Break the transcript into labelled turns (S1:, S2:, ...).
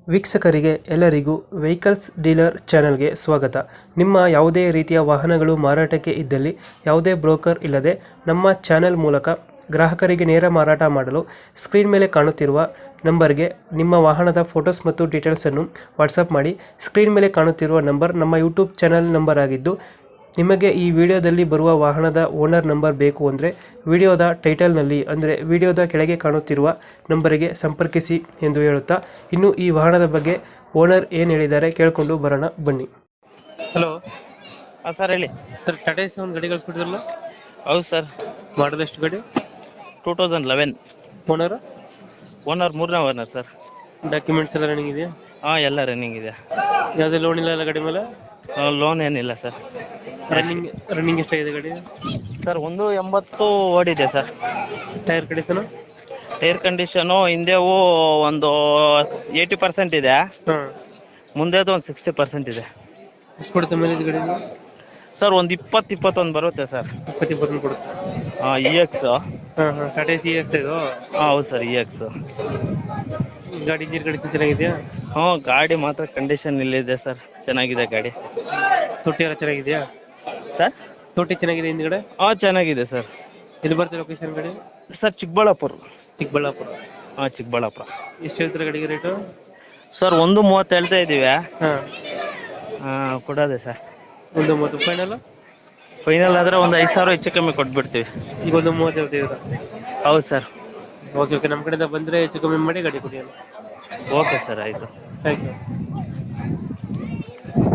S1: ವೀಕ್ಷಕರಿಗೆ ಎಲ್ಲರಿಗೂ vehicles dealer ಚಾನೆಲ್ಗೆ ಸ್ವಾಗತ. ನಿಮ್ಮ ಯಾವುದೇ ರೀತಿಯ ವಾಹನಗಳು ಮಾರಾಟಕ್ಕೆ ಇದ್ದಲ್ಲಿ ಯಾವುದೇ ಬ್ರೋಕರ್ ಇಲ್ಲದೆ ನಮ್ಮ ಚಾನೆಲ್ ಮೂಲಕ ಗ್ರಾಹಕರಿಗೆ ನೇರ ಮಾರಾಟ ಮಾಡಲು ಸ್ಕ್ರೀನ್ ಮೇಲೆ ಕಾಣುತ್ತಿರುವ ನಂಬರ್ಗೆ ನಿಮ್ಮ ವಾಹನದ ಫೋಟೋಸ್ ಮತ್ತು ಡೀಟೇಲ್ಸನ್ನು ವಾಟ್ಸಪ್ ಮಾಡಿ. ಸ್ಕ್ರೀನ್ ಮೇಲೆ ಕಾಣುತ್ತಿರುವ ನಂಬರ್ ನಮ್ಮ ಯೂಟ್ಯೂಬ್ ಚಾನೆಲ್ ನಂಬರ್ ಆಗಿದ್ದು, ನಿಮಗೆ ಈ ವಿಡಿಯೋದಲ್ಲಿ ಬರುವ ವಾಹನದ ಓನರ್ ನಂಬರ್ ಬೇಕು ಅಂದರೆ ವಿಡಿಯೋದ ಟೈಟಲ್ನಲ್ಲಿ ಅಂದರೆ ವಿಡಿಯೋದ ಕೆಳಗೆ ಕಾಣುತ್ತಿರುವ ನಂಬರಿಗೆ ಸಂಪರ್ಕಿಸಿ ಎಂದು ಹೇಳುತ್ತಾ, ಇನ್ನು ಈ ವಾಹನದ ಬಗ್ಗೆ ಓನರ್ ಏನು ಹೇಳಿದ್ದಾರೆ ಕೇಳಿಕೊಂಡು ಬರೋಣ ಬನ್ನಿ. ಹಲೋ
S2: ಹಾಂ ಸರ್, ಹೇಳಿ
S1: ಸರ್, ಟಾಟಾ ಎಸಿ ಒಂದು ಗಾಡಿ ಕಳಿಸ್ಕೊಟ್ಟಿದ್ರಲ್ಲ,
S2: ಹೌದು ಸರ್.
S1: ಮಾಡಲ್ ಎಷ್ಟು ಗಾಡಿ?
S2: 2011.
S1: ಓನರ್
S2: ಮೂರನೇ ಓನರ್ ಸರ್.
S1: ಡಾಕ್ಯುಮೆಂಟ್ಸ್ ಎಲ್ಲ ರನ್ನಿಂಗ್ ಇದೆಯಾ?
S2: ಹಾಂ, ಎಲ್ಲ ರನ್ನಿಂಗ್ ಇದೆ.
S1: ಯಾವುದೇ ಲೋನ್ ಇಲ್ಲ ಗಾಡಿ ಮೇಲೆ?
S2: ಲೋನ್ ಏನಿಲ್ಲ ಸರ್.
S1: ರನ್ನಿಂಗ್ ಎಷ್ಟಾಗಿದೆ ಗಾಡಿ?
S2: ಸರ್ 180 ಓಡಿದೆ sir.
S1: Tyre condition?
S2: Tyre condition ಹಿಂದೆವು ಒಂದು 80% ಇದೆ,
S1: ಹಾಂ.
S2: ಮುಂದೆದು ಒಂದು 60% ಇದೆ.
S1: ಎಷ್ಟು ಕೊಡುತ್ತೆ ಮೈಲೇಜ್ ಗಾಡಿ?
S2: ಸರ್ ಒಂದು 20-21 ಬರುತ್ತೆ ಸರ್.
S1: 20 ಕೊಡುತ್ತೆ.
S2: ಹಾಂ, EX.
S1: ಹಾಂ ಹಾಂ, ಟಾಟಾ ಎಸಿ EX ಇದು?
S2: ಹಾಂ, ಹೌದು ಸರ್, EX.
S1: ಗಾಡಿ ಇಂಜಿನ್ ಕಂಡೀಷನ್ ಚೆನ್ನಾಗಿದೆಯಾ?
S2: ಹ್ಞೂ, ಗಾಡಿ ಮಾತ್ರ ಕಂಡೀಷನ್ ಇಲ್ಲಿದೆ ಸರ್, ಚೆನ್ನಾಗಿದೆ ಗಾಡಿ.
S1: ತೊಟ್ಟಿ ಎಲ್ಲ ಚೆನ್ನಾಗಿದೆಯಾ
S2: ಸರ್?
S1: ತೊಟ್ಟಿ ಚೆನ್ನಾಗಿದೆ ಹಿಂದ್ಗಡೆ?
S2: ಹಾಂ, ಚೆನ್ನಾಗಿದೆ ಸರ್.
S1: ಎಲ್ಲಿ ಬರ್ತದೆ ಲೊಕೇಶನ್ ಗಾಡಿ?
S2: ಸರ್, ಚಿಕ್ಕಬಳ್ಳಾಪುರ. ಹಾಂ, ಚಿಕ್ಕಬಳ್ಳಾಪುರ.
S1: ಎಷ್ಟು ಹೇಳ್ತಾರೆ ಗಾಡಿಗೆ ರೇಟು?
S2: ಸರ್ 130 ಹೇಳ್ತಾ ಇದ್ದೀವಿ.
S1: ಹಾಂ,
S2: ಕೊಡೋದೆ ಸರ್.
S1: 130 ಫೈನಲ್?
S2: ಫೈನಲ್ ಆದರೆ ಒಂದು 5,000 ಹೆಚ್ಚು ಕಮ್ಮಿ ಕೊಟ್ಬಿಡ್ತೀವಿ.
S1: ಈಗ 130 ಹೇಳ್ತಿದ್ದೀರಾ?
S2: ಹೌದು ಸರ್.
S1: ಓಕೆ ಓಕೆ, ನಮ್ಮ ಕಡೆಯಿಂದ ಬಂದರೆ ಹೆಚ್ಚು ಕಮ್ಮಿ ಮಾಡಿ ಗಾಡಿ ಕೊಡಿ.
S2: ಓಕೆ ಸರ್, ಆಯಿತು.
S1: Thank you.